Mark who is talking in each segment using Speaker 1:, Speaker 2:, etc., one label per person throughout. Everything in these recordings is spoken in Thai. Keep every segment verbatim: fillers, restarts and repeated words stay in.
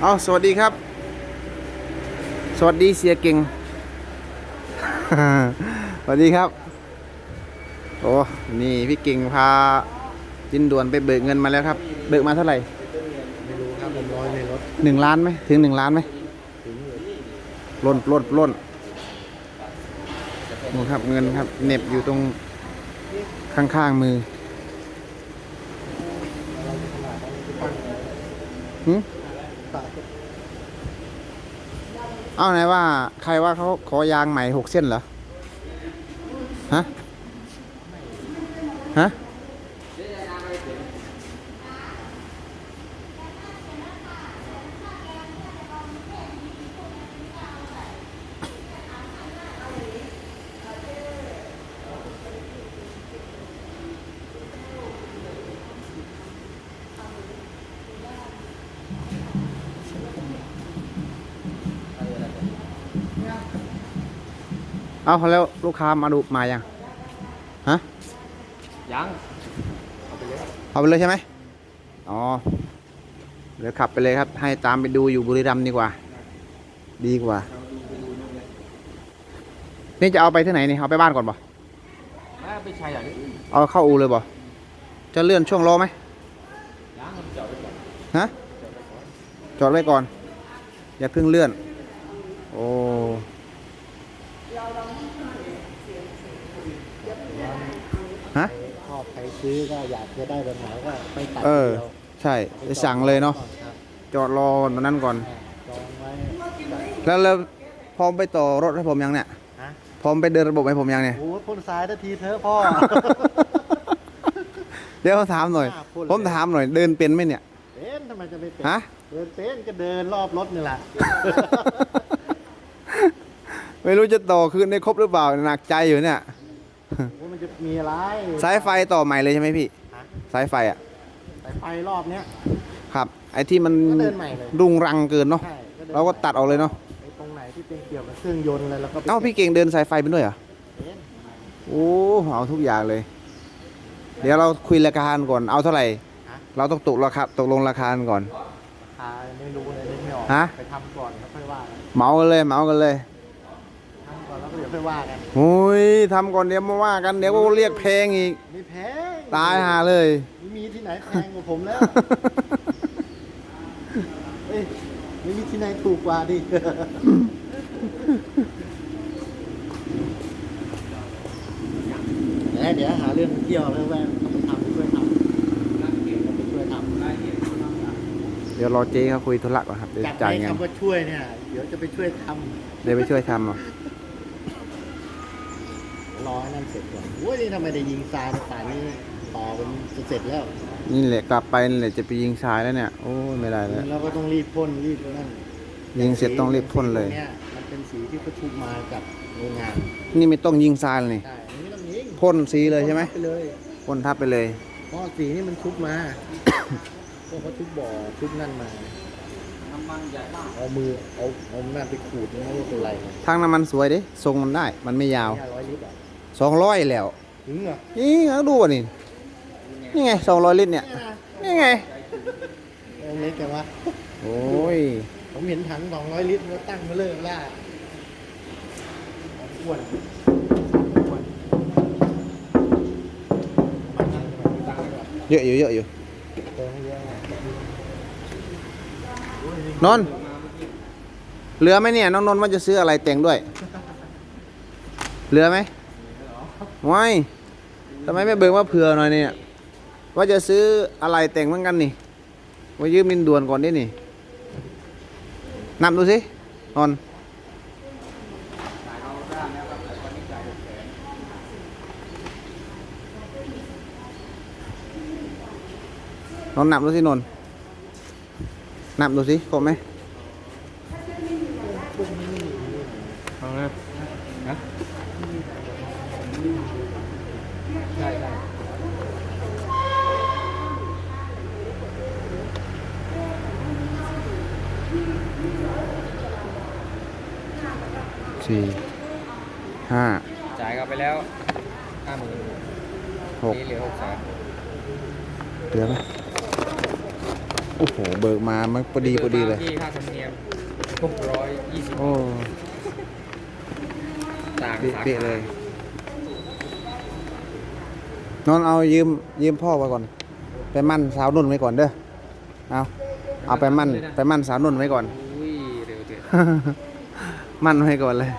Speaker 1: เอาสวัสดีครับสวัสดีเสียเก่ง สวัสดีครับโอ้นี่พี่เก่งพาจินด่วนไปเบิกเงินมาแล้วครับเบิกมาเท่าไหร่
Speaker 2: ไม่รู้ครับผมร้อยในรถ
Speaker 1: หนึ่งล้านไหมถึงหนึ่งล้านไหม
Speaker 2: ถึงอยู่
Speaker 1: ปล้นปล้นปล้นนี่ครับเงินครับเหน็บอยู่ตรงข้างๆมือหืมเอาไหนว่าใครว่าเขาขอยางใหม่หกเส้นเหรอฮะฮะเอาแล้วลูกค้ามาดูมายังฮะ
Speaker 2: ยัง
Speaker 1: เอาไปเลยใช่ไหมอ๋อเดี๋ยวขับไปเลยครับให้ตามไปดูอยู่บุรีรัมย์ดีกว่าดีกว่านี่จะเอาไปที่ไหนนี่เอาไปบ้านก่อนป่ะ
Speaker 2: ไปใช้อย่างนี้
Speaker 1: เอาเข้าอูเลยป่ะจะเลื่อนช่วงล้อไหม
Speaker 2: ยังจอดไว้ก่อน
Speaker 1: ฮะจอดไว้ก่อนอย่าเพิ่งเลื่อนโอ้ฮะ
Speaker 2: ชอบใครซื้อก็อยากจะได้แบบไหนก็ไปตัด
Speaker 1: เออ
Speaker 2: เดียว
Speaker 1: ใช่จะสั่งเลยเนาะจอดรอตอนนั้นก่อน
Speaker 2: จองไว้
Speaker 1: แล้วแล้วพร้อมไปต่อรถให้ผมยังเนี่ย
Speaker 2: ฮะ
Speaker 1: พร้อมไปเดินระบบให้ผมยังเนี่ย
Speaker 2: โอ้พ่นซ้ายทันทีเธอพ่อ
Speaker 1: เดี๋ยวถามหน่อยผมถามหน่อยเดินเป็นไหมเนี่ย
Speaker 2: เป็นทำไมจะไม่เป็น
Speaker 1: ฮะ
Speaker 2: เดินเป็นก็เดินรอบรถนี่แหละ
Speaker 1: ไม่รู้จะต่อคืนได้ครบหรือเปล่าหนักใจอยู่เนี่ย
Speaker 2: ว่ามันจะมีอะไร
Speaker 1: สายไฟต่อใหม่เลยใช่ไหมพี่สายไฟอ่ะ
Speaker 2: สายไฟรอบเนี้ย
Speaker 1: ครับไอ้ที่มันรุงรังเกินเนาะเราก็ตัดออกเลยเนาะ
Speaker 2: ไอ้ตรงไหนที่เป็นเกี่ยวกับเครื่องยนต์อะไรแล้วก็
Speaker 1: เอ้าพี่เก่งเดินสายไฟเป็นด้วยเหรอโอ้เอาทุกอย่างเลยเดี๋ยวเราคุยราคาก่อนเอาเท่าไหร่เราต้องตกราคาตกลงราคาก่อน
Speaker 2: ราคาไม่รู้เลยไม่ออกไปทำก่อนแล้วค่อยว่า
Speaker 1: เหมากันเลยเหมากันเลย
Speaker 2: ทำก่อนแล้วเดี๋ยวค่อยว่ากัน
Speaker 1: โอ้ยทำก่อนเดี๋ยวมาว่ากันเดี๋ยวก็เรียกแพงอีก
Speaker 2: ไม่แพง
Speaker 1: ตายหาเลย
Speaker 2: ไม่มีที่ไหนแพงกว่าผมแล้วเอ้ยไม่มีที่ไหนถูกกว่าดิเดี๋ยวหาเรื่องเที่ยวแล้วแม่ต้องไปทำช่วยทำช่วยทำ
Speaker 1: เดี๋ยวรอเจ๊เขาคุยธุระก่อนครับเดี๋ยวจ่ายเงิน
Speaker 2: คำว่าช่วยเนี่ยเดี๋ยวจะไปช่วยท
Speaker 1: ำเดี๋ยวไปช่วยทำอ่ะ
Speaker 2: รอให้นั่นเสร็จก่อนโอ้ยทำไมได้ยิงทรายป่านนี้ต่อเป็นเสร็จแล้ว
Speaker 1: นี่แหละกลับไปนี่แหละจะไปยิงทรายแล้วเนี่ยโอ้ไม่ได้แล้ว
Speaker 2: เราก็ต้องรีบพ่นรีบนั่น
Speaker 1: ยิงเสร็จต้องรีบพ่นเลย
Speaker 2: เนี่ยมันเป็นสีที่ประชุมมากับโรงงาน
Speaker 1: นี่ไม่ต้องยิงทรายเลยพ่นสีเลยใช่ไหมพ่นทับไปเลย
Speaker 2: เพราะสีนี่มันชุบมาพวกเขาชุบบ่อชุบนั่นมาเอามือเอาเอาหน้าไปขูดไม่รู้เป็นไร
Speaker 1: ทางน้ำมันสวยดิทรงมันได้มันไม่ยาวสองร้อยแล้ว
Speaker 2: ถึงเหรอ
Speaker 1: นี่เขาดูนี่นี่ไงสองร้อยลิตรเนี่ยนี่ไง
Speaker 2: เล็กแกวะ
Speaker 1: โอ้ย
Speaker 2: ผมเห็นถังสองร้อยลิตรแล้วตั้งมาเลยล่าอ้วน
Speaker 1: เยอะอยู่เยอะอยู่นนเหลือไหมเนี่ยน้องนนว่าจะซื้ออะไรแต่งด้วยเหลือไหมไม่ทำไมไม่เบิกว่าเผื่อหน่อยเนี่ยว่าจะซื้ออะไรแต่งเหมือนกันนี่ว่ายืมมินด่วนก่อนดินี่นับดูสินนนนนับดูสินนนับดูสิครบไหม
Speaker 2: เอาละนะใช่ใช่
Speaker 1: สี่ห้า
Speaker 2: จ่ายกันไปแล้วห้าหมื่น
Speaker 1: หก
Speaker 2: เหลือหกแสน
Speaker 1: เหลือไหมโอ้โหเบิกมามันพอดีพอดีเลย
Speaker 3: ที่ค่าธรรมเนียมหกร้อยยี่สิบ
Speaker 1: โอ้
Speaker 3: ต่าง
Speaker 1: เป๊ะๆเลยนอนเอายืมยืมพ่อไว้ก่อน ไปมั่นสาวนุ่นไว้ก่อนเด้อเอาเอาไปมั่นไปมั่นสาวนุ่นไว้ก่อน
Speaker 3: อุ้ยเร็วเถอะ
Speaker 1: มั่นไว้ก่อนเลย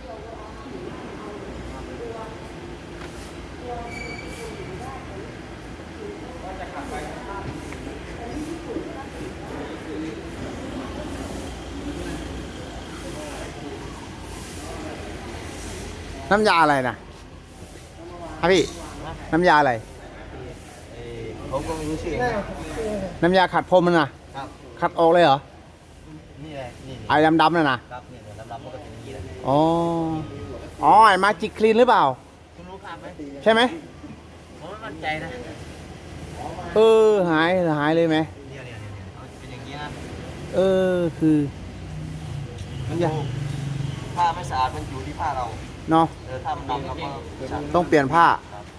Speaker 1: น้ำยาอะไรนะฮะพี่ น้ำยาอะไร
Speaker 2: ผมก็ไม่รู้ชื่อ
Speaker 1: น้ำยาขัดพรมมันนะครับ ขัดออกเลยเหรอ
Speaker 2: นี่แหละนี่
Speaker 1: ไอ้ดำๆนั่นนะครับ
Speaker 2: เนี่ยลำลำมันก็เป็นอย่างนี้แหละ
Speaker 1: อ๋อ อ๋อ ไอ้มาจิกคลีนหรือเปล่า
Speaker 2: คุณรู้ครับไหม
Speaker 1: ใช่ไหม
Speaker 2: ผมไม่มั่นใจนะ
Speaker 1: เออ หายหายเลยไหม
Speaker 2: เนี่ยเนี่ยเนี่ยมันเป็นอย่างนี้นะ
Speaker 1: เออ คือ
Speaker 2: มันอยู่ผ้าไม่สะอาดมันอยู่ที่ผ้าเรา
Speaker 1: เนาะ
Speaker 2: เออถ้ามันดำเราก็สะอาด
Speaker 1: ต้องเปลี่ยนผ้า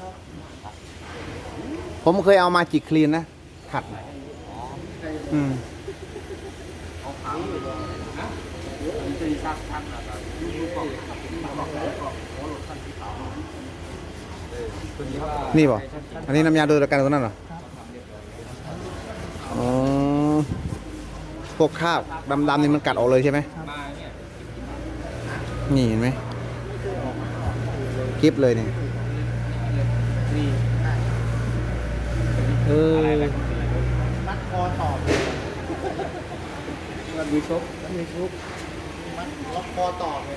Speaker 1: ผมเคยเอามาจิกคลีนนะ ขัด อืม นี่ป่ะอันนี้น้ำยาโดยการตัวนั้นเหรอ อ๋อ พวกคราบดำๆนี่มันกัดออกเลยใช่ไหม นี่เห็นไหมคลิปเลยเนี่ยเออ
Speaker 2: มัดคอต่อมันมีชุบมันมีชุบมัดล็อกคอต่อเลย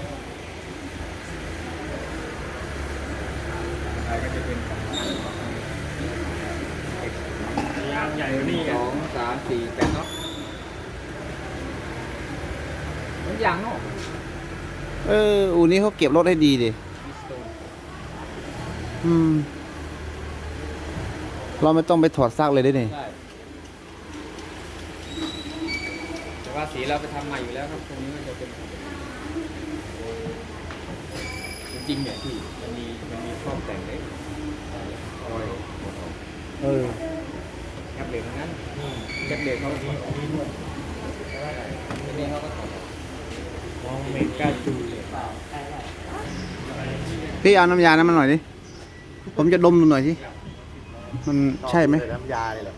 Speaker 3: ยางใหญ่กว่านี่สองสามสี่แปดเนาะมันยางเนาะ
Speaker 1: เออ อูนี้เขาเก็บรถให้ดีดิ อืม เราไม่ต้องไปถอดซากเลยได้นี่
Speaker 3: ใช่แต่ว่าสีเราไปทำใหม่อยู่แล้วครับตรงนี้มันจะเป็นจริงๆเนี่ยที่มันมีมันมีข้อแต่งเล็กรอย
Speaker 1: เออ
Speaker 3: แคปเหล็กทั้งนั้นแคปเหล็กเขาดีดีด้วยทีนี้เขาก็ถอดมองเมกาจูเลย
Speaker 1: พี่เอาน้ำยานั้นมาหน่อยดิ ผมจะดมดูหน่อยสิ มันใช่ไหม
Speaker 2: น้ำยาเลยเหรอ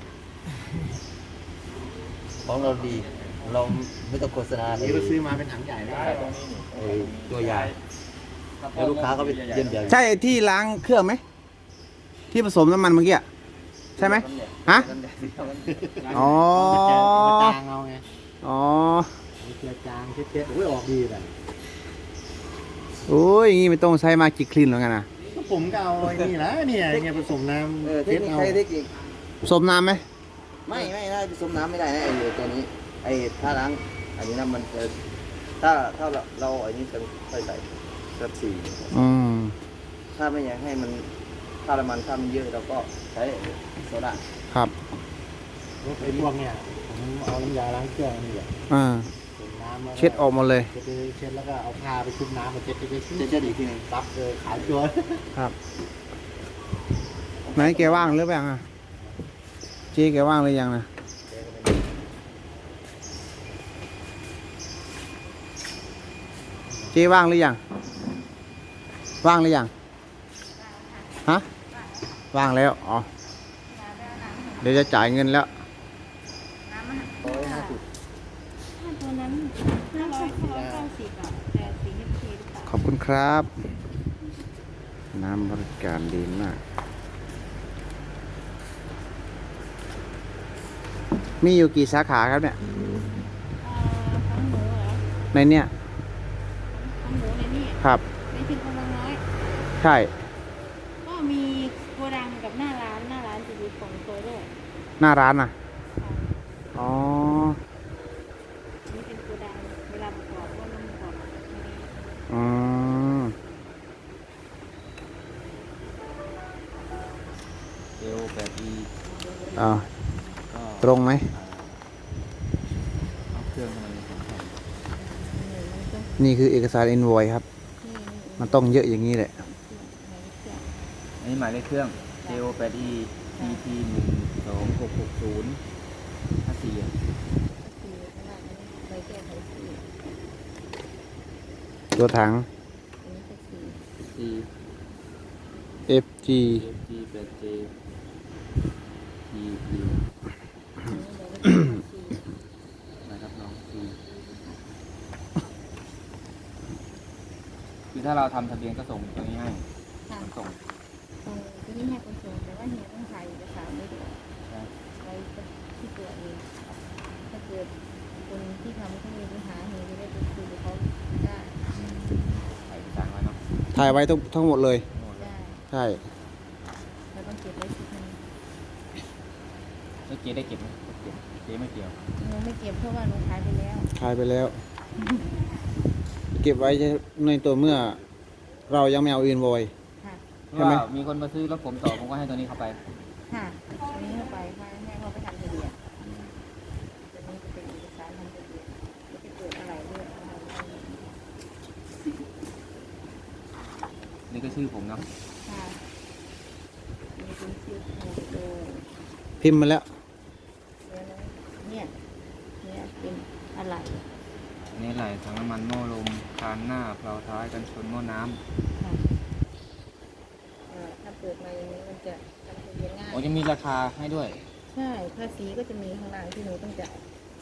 Speaker 2: ของเราดี เราไม่ต้องโฆษณาเลยเราซื้อมาเป็นถังใหญ่ได้ตัวใหญ่แล้วลูกค้าก็ไปเยี่ยมเยียน
Speaker 1: ใช่ไอ้ที่ล้างเครื่องไหม ที่ผสมน้ำมันเมื่อกี้อะใช่ไหมฮะ อ๋อ
Speaker 2: จางเอาไง
Speaker 1: อ๋อ
Speaker 2: เจือจางเช็ดๆโอ้ยออกดีเลย
Speaker 1: โอ้ยอย่างงี้ไม่ต้องใช้มาจิกคลีนหรอกนะ
Speaker 2: ก็ผมก็เอาไอ้นี่แหละเนี่ยเนี่ยผสมน้ำเช็ดเอา
Speaker 1: ผสมน้ำไหม
Speaker 4: ไม่ไม่ได้ผสมน้ำไม่ได้นะไอ้ตัวนี้ไอ้ถ้าล้างอันนี้น้ำมันจะถ้าถ้าเราเราไอ้นี้จะค่อยใส่สักสี่
Speaker 1: อืม
Speaker 4: ถ้าไม่อยากให้มันถ้าน้ำมันถ้ามันเยอะเราก็ใช้โซดา
Speaker 1: ครับ
Speaker 2: ไอ้พวกเนี่ยผมเอาน้ำยาล้างเครื่องนี่แหละ
Speaker 1: อ่า
Speaker 2: ผสมน้ำแล้วก็
Speaker 1: เช็ดออกหมดเลย
Speaker 2: เช็ดเช็ดแล้วก็เอาผ้าไปชุบน้ำมาเช็ดเช็ด
Speaker 4: เช็ดเช็ดอีกทีหนึง
Speaker 2: ซับเลยขาวจัว
Speaker 1: ครับ ไหนแกว่างหรือเปล่าอ่ะเจ๊แกว่างหรือยังนะเจ๊ว่างหรือยัง ว่างหรือยัง ฮะ ว่างแล้ว อ๋อ เดี๋ยวจะจ่ายเงินแล้ว
Speaker 5: ถ้าตัวนั้นห้าร้อยห้าร้อยเก้าสิบอ่ะแต่สีเอฟเคหรือเปล่า
Speaker 1: ขอบคุณครับ น้ำบริการดีมาก มีอยู่กี่สาขาครับเนี่ย
Speaker 5: เอ่อของหมูเหรอ
Speaker 1: ในเนี่ย
Speaker 5: ของหมูในนี่
Speaker 1: ครับ
Speaker 5: ในชิมกำลังน้อย
Speaker 1: ใช่
Speaker 5: ก็มีโกดังกับหน้าร้านหน้าร้านจะอยู่ของโซโล่
Speaker 1: หน้าร้านน่ะ
Speaker 5: ค่ะ
Speaker 1: อ๋อ
Speaker 5: นี่เป็นโกดังเวลาประกอบก็ต้องประกอบในนี้
Speaker 1: อืม
Speaker 4: เอลแปดอี
Speaker 1: อ่า
Speaker 4: ก็
Speaker 1: ตรงไหม
Speaker 4: เอาเครื่องมันของแถม
Speaker 5: นี่มันต้อง
Speaker 1: นี่คือเอกสาร invoice ครับ
Speaker 5: นี่นี่
Speaker 1: มันต้องเยอะอย่างนี้แหละ
Speaker 4: อันนี้หมายเลขเครื่อง เอลแปดอี ที ที หนึ่ง สอง หก หก ศูนย์ ห้า
Speaker 3: สีอ่ะ
Speaker 5: สีขนาดนี้ใบแก้ไขสี
Speaker 1: ตัวถัง
Speaker 5: อันนี้ก็สี
Speaker 3: สี
Speaker 1: เอฟ จี
Speaker 3: เอฟจีแปดเจทีพี
Speaker 5: อันนี้ใบแก้ไขสี
Speaker 3: นะครับน้องสีคือถ้าเราทำทะเบียนก็ส่งตัวนี้ให้
Speaker 5: ค่ะ
Speaker 3: ขนส่ง
Speaker 5: ตรงที่นี่ให้คนส่งแต่ว่าเฮียต้องถ่ายเอกสารไว้ด้วย
Speaker 3: นะ
Speaker 5: ไว้ที่ตัวเองถ้าเกิดคนที่ทำเขามีปัญหาเฮียจะได้ไปคุยกับเขาได้
Speaker 3: ใส่เอกสารไว้เนาะ
Speaker 1: ถ่ายไว้ทั้งทั้งหมดเลย
Speaker 3: หมดเลย
Speaker 5: ได้
Speaker 1: ใช่
Speaker 5: เราต้องเก็บไว้ชุดหนึง
Speaker 3: แล้วเจ๊ได้เก็บไหมเก็บเจ๊ไม่เกี่ยว
Speaker 5: หนูไม่เก็บเพราะว่าหนูขายไปแล้ว
Speaker 1: ถ่ายไปแล้ว เก็บไว้ในตัวเมื่อ เรายังไม่เอาอินโวย
Speaker 5: ค่ะ
Speaker 1: ใช่ไหม
Speaker 3: ว่ามีคนมาซื้อรถผมต่อผมก็ให้ตัวนี้เข้าไป
Speaker 5: ค่ะอันนี้เข้าไปค่ะแม่เขาไปทำทะเบียนตัวนี้จะเป็นเอกสารทำทะเบียนจะไปเกิดอะไรด้วยอะไรด้วย
Speaker 3: นี่ก็ชื่อผมเนาะ
Speaker 5: ค่ะมีเป็นชื่อโมโด
Speaker 1: พิมพ์มาแล้ว
Speaker 5: เนี่ยเนี่ยเป็นอะไร
Speaker 3: อันนี่ไหลถังน้ำมันหม้อลมคานหน้าเพลาท้ายกันชนหม้อน้
Speaker 5: ค่ะเอ่อถ้าเปิดมาอย่างนี้มันจะทำทะเบียนง่า
Speaker 3: ำ
Speaker 5: ย
Speaker 3: โอ้ยังมีราคาให้ด้วย
Speaker 5: ใช่ภาษีก็จะมีข้างล่างที่หนูต้องจ่าย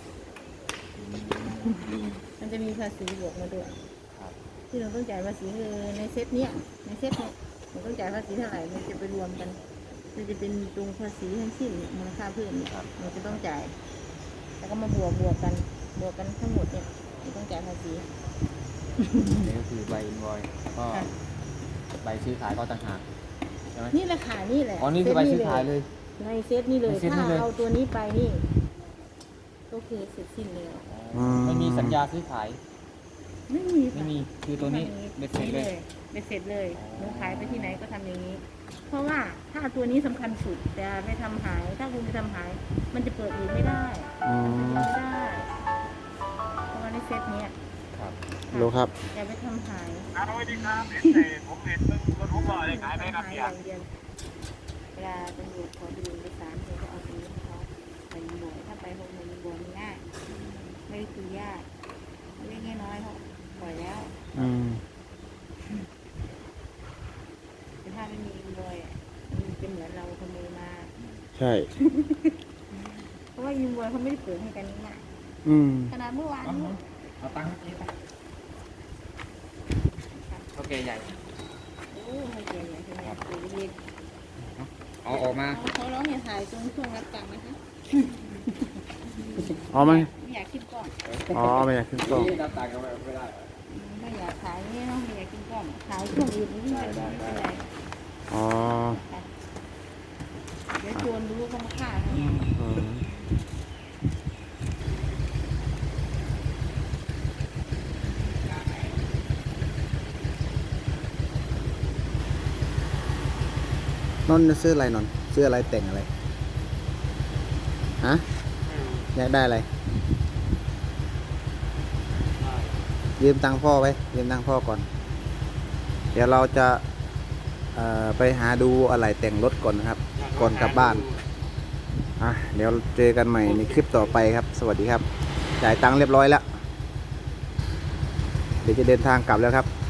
Speaker 5: มันจะมีภาษีบวกมาด้วย
Speaker 3: ครับ
Speaker 5: ที่หนูต้องจ่ายภาษีคือในเซตเนี้ยในเซตเนี้ยหนูต้องจ่ายภาษีเท่าไหร่มันจะไปรวมกันมันจะเป็นตรงภาษีทั้งสิ้นมูลค่าเพิ่มเนี่ยหนูจะต้องจ่าย แล้วก็มาบวกบวกกันบวกกันทั้งหมดเนี่ยหนูต้องจ่ายภาษี
Speaker 3: นี่ก็คือใบอินวอยก็
Speaker 5: ค่ะ
Speaker 3: ใบซื้อขายก็ต่างหากใช่ไหม
Speaker 5: นี่แหละค่ะนี่แหละ
Speaker 3: อ๋อนี่คือใบซื้อขายเลย
Speaker 5: ในเซตนี่เลย
Speaker 3: ในเซตนี่
Speaker 5: ถ้า
Speaker 3: เลย
Speaker 5: เอาตัวนี้ไปนี่ ก็คือเสร็จสิ้นเลย
Speaker 1: อืม
Speaker 3: ไม่มีสัญญาซื้อขาย
Speaker 5: ไม่มีค่ะ
Speaker 3: ไม่มีคือตัวนี้เบ็ดเสร็จเลย
Speaker 5: เบ็ดเสร็จเลย
Speaker 3: อ๋อ
Speaker 5: หนูขายไปที่ไหนก็ทำอย่างนี้ เพราะว่าถ้าตัวนี้สำคัญสุดแต่ไปทำหาย ถ้าคุณไปทำหาย มันจะเปิดอีกไม่ได้
Speaker 1: อื
Speaker 5: มัน
Speaker 1: ม
Speaker 5: จะไม่ได้เพราะว่าในเซตเนี้ย
Speaker 3: ครับ
Speaker 1: รู้ครับ
Speaker 5: อย่าไปทำหาย
Speaker 6: ครับสวัสดีครับเห็นแต่ผมเห็นเพิ่งรถผมบอกเลยขายไหมครับ
Speaker 5: ทำหาย
Speaker 6: พี่
Speaker 5: อย่างเดียวเวลาตำรวจขอดูเอกสารเขาก็เอาตัวนี้ให้เขาไปยิงบวถ้าไปหกโมงยิงบวมันง่ายไม่ได้คือยากเล็กน้อยเขาปล่อยแล้ว
Speaker 1: อืม
Speaker 5: แต่ถ้าไม่มีอินโวยอะมันจะเหมือนเราขโมยมา
Speaker 1: ใช่
Speaker 5: เพราะว่าอินโวยเขาไม่ได้เปิดให้กันง่าย
Speaker 1: อืม
Speaker 5: ขนาดเมื่อวานนี้
Speaker 3: เอาตังค์ให้เจ๊ไปโอเคใหญ่
Speaker 5: โอ้ให้เกียรติใหญ่ขนาดตัวเล็ก
Speaker 3: เอาออกมา
Speaker 5: เขาเขาร้องอย่าถ่ายตรงช่วงรับตังค์นะคะ
Speaker 1: อ๋อไหม
Speaker 5: ไม่อยากคิดกล้อง
Speaker 1: อ๋อไม่อยากขึ้นกล้อง
Speaker 3: รับตังค์ก็ไม่ได้
Speaker 5: ไม่อยากถ่ายนี่เนาะไม่อยากกินกล้องถ่ายช่วงอื่นนี่ไม่เป็นไม่เป็นไร
Speaker 1: อ๋อ
Speaker 5: เดี๋ยวโจรรู้ก็มาฆ่าเขา
Speaker 1: อืมนนท์จะซื้ออะไรนนท์ซื้ออะไรแต่งอะไร ฮะ อยากได้อะไร ยืมตังค์พ่อไว้ ยืมตังค์พ่อก่อน เดี๋ยวเราจะเอ่อไปหาดูอะไรแต่งรถก่อนนะครับ ก่อนกลับบ้าน อ่ะ เดี๋ยวเจอกันใหม่ในคลิปต่อไปครับ สวัสดีครับ จ่ายตังค์เรียบร้อยแล้ว เดี๋ยวจะเดินทางกลับแล้วครับ